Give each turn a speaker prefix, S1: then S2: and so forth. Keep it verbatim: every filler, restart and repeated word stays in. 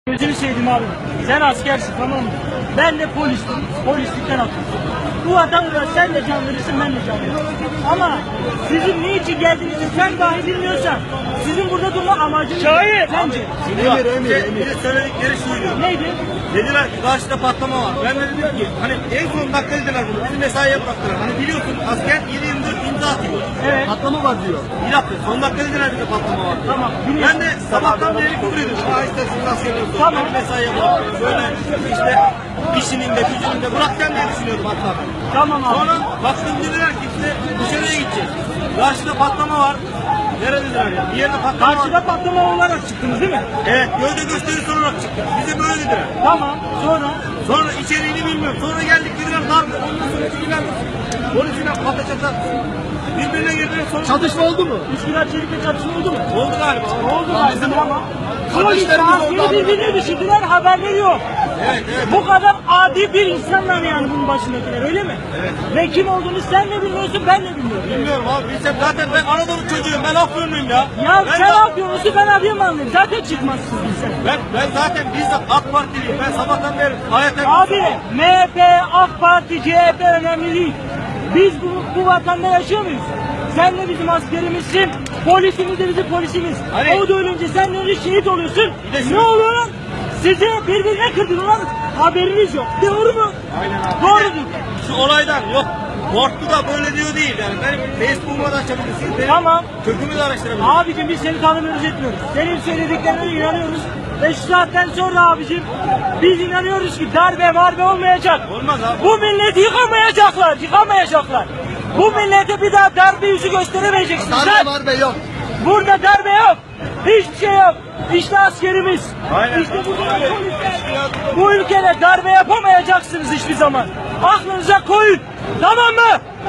S1: Gözünü seveyim abi. Sen askersin, tamam mı? Ben de polistim. Polislikten atıldım. Bu vatandaş sen de can verirsin, ben de can veririm. Ama sizin niçin geldiğinizi sen dahi bilmiyorsan sizin burada durma amacınız
S2: Şahit!
S1: sence?
S2: Emir, emir, emir. Söyledikleri şuydu.
S1: Neydi?
S2: Dediler ki karşıda patlama var. Ben de dedim ki hani en son dakika dediler bunu. Bizi mesaiye bıraktılar. Hani biliyorsun asker yedi yirmi dört imza atıyor.
S1: Evet.
S2: Patlama var diyor. Bir dakika son dakika dediler bize patlama var.
S1: Tamam.
S2: Ben de sabahtan beri küfür ediyorum. Ha işte siz asker olsun.
S1: Tamam.
S2: Ben mesaiye bırakıyorum. Böyle işte işinin de gücünün de bırakacağım diye düşünüyordum hatta.
S1: Tamam abi.
S2: Sonra baktım dediler ki işte dışarıya gideceğiz. Karşıda patlama var. Neredeler ya? Bir yerde patlama var.
S1: Karşıda patlama olarak çıktınız değil mi?
S2: Evet, gövde gösterisi olarak çıktık. Bize böyle dediler.
S1: Tamam. Sonra?
S2: Sonra içeriğini bilmiyorum. Sonra geldik dediler darbe. Ondan sonra çekilen polisine patlaçata birbirine girdiler. Sonra
S3: Çatışma oldu mu?
S1: Üsküdar Çelik'te çatışma oldu mu?
S2: oldu galiba.
S1: Oldu galiba ama. Polis
S3: kardeşlerimiz
S1: askeri
S3: oldu
S1: birbirine düşürdüler, haberleri yok.
S2: Evet, evet.
S1: Bu kadar adi bir insanlar yani bunun başındakiler, öyle mi?
S2: Evet.
S1: Ve kim olduğunu sen de bilmiyorsun, ben de bilmiyorum.
S2: Bilmiyorum abi. Bilsem zaten ben Anadolu çocuğuyum. Ben Afyonluyum ya.
S1: Ya
S2: ben
S1: sen
S2: de-
S1: Afyonlusun, ben Adıyamanlıyım. Zaten çıkmazsın sen.
S2: Ben, ben zaten bizzat AK Partiliyim. Ben sabahtan beri hayata...
S1: Abi M H P, AK Parti, C H P önemli değil. Biz bu, bu vatanda yaşıyor muyuz? Sen de bizim askerimizsin, polisimiz de bizim polisimiz.
S2: Hani-
S1: O da ölünce sen de öyle şehit oluyorsun.
S2: Bir de şu-
S1: Ne oluyor lan? Sizi birbirine kırdırıyorlar, haberiniz yok. Doğru mu?
S2: Aynen abi.
S1: Doğrudur.
S2: Şu olaydan yok. Korktu da böyle diyor değil yani. Benim Facebook'uma da açabilirsiniz. Benim
S1: Tamam.
S2: kökümü de araştırabilirsiniz.
S1: Abicim biz seni tanımıyoruz, etmiyoruz. Senin söylediklerine inanıyoruz. Ve şu saatten sonra abicim biz inanıyoruz ki darbe marbe olmayacak.
S2: Olmaz abi.
S1: Bu milleti yıkamayacaklar, yıkamayacaklar. Bu millete bir daha darbe yüzü gösteremeyeceksiniz.
S3: Darbe var be yok.
S1: Burada darbe yok. Hiçbir şey yok. İşte askerimiz.
S2: Aynen.
S1: İşte bu polisler. Bu ülkede darbe yapamayacaksınız hiçbir zaman. Aklınıza koyun. Tamam mı?